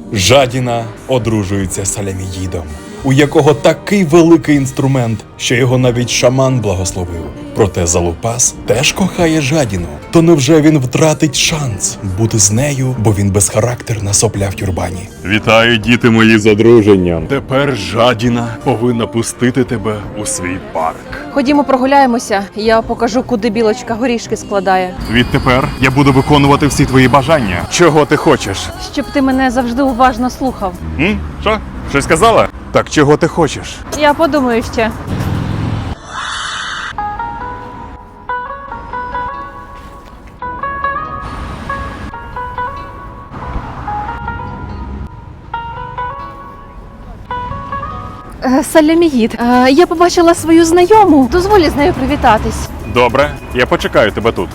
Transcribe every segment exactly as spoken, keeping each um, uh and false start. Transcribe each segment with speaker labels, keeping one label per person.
Speaker 1: Жадіна одружується з Саляміїдом, у якого такий великий інструмент, що його навіть шаман благословив. Проте Залупас теж кохає Жадіну. То невже він втратить шанс бути з нею, бо він безхарактерна сопля в тюрбані?
Speaker 2: Вітаю, діти мої, з одруженням. Тепер Жадіна повинна пустити тебе у свій парк.
Speaker 3: Ходімо прогуляємося, я покажу, куди білочка горішки складає.
Speaker 2: Відтепер я буду виконувати всі твої бажання. Чого ти хочеш?
Speaker 3: Щоб ти мене завжди уважно слухав.
Speaker 2: М? Що? Щось сказала? Так чого ти хочеш?
Speaker 3: Я подумаю ще. Е, Саляміїд, е, я побачила свою знайому. Дозволі з нею привітатись.
Speaker 2: Добре, я почекаю тебе тут.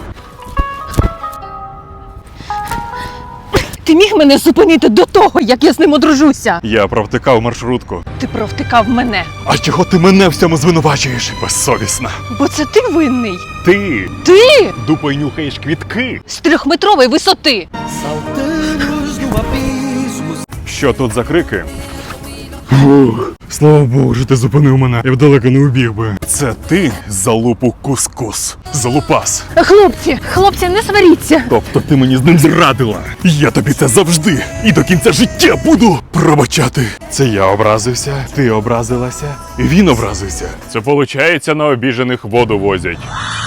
Speaker 3: Ти міг мене зупинити до того, як я з ним одружуся?
Speaker 2: Я провтикав маршрутку.
Speaker 3: Ти провтикав мене.
Speaker 2: А чого ти мене в цьому звинувачуєш? Безсовісна.
Speaker 3: Бо це ти винний.
Speaker 2: Ти
Speaker 3: Ти
Speaker 2: дупою нюхаєш квітки.
Speaker 3: з трьохметрової висоти.
Speaker 2: Що тут за крики? Фух, слава Богу, що ти зупинив мене. Я б далеко не убіг би. Це ти, залупу кускус. Залупас.
Speaker 3: Хлопці, хлопці, не сваріться.
Speaker 2: Тобто ти мені з ним зрадила. Я тобі це завжди і до кінця життя буду пробачати. Це я образився, ти образилася, і він образився. Це виходить, на обіжених воду возять.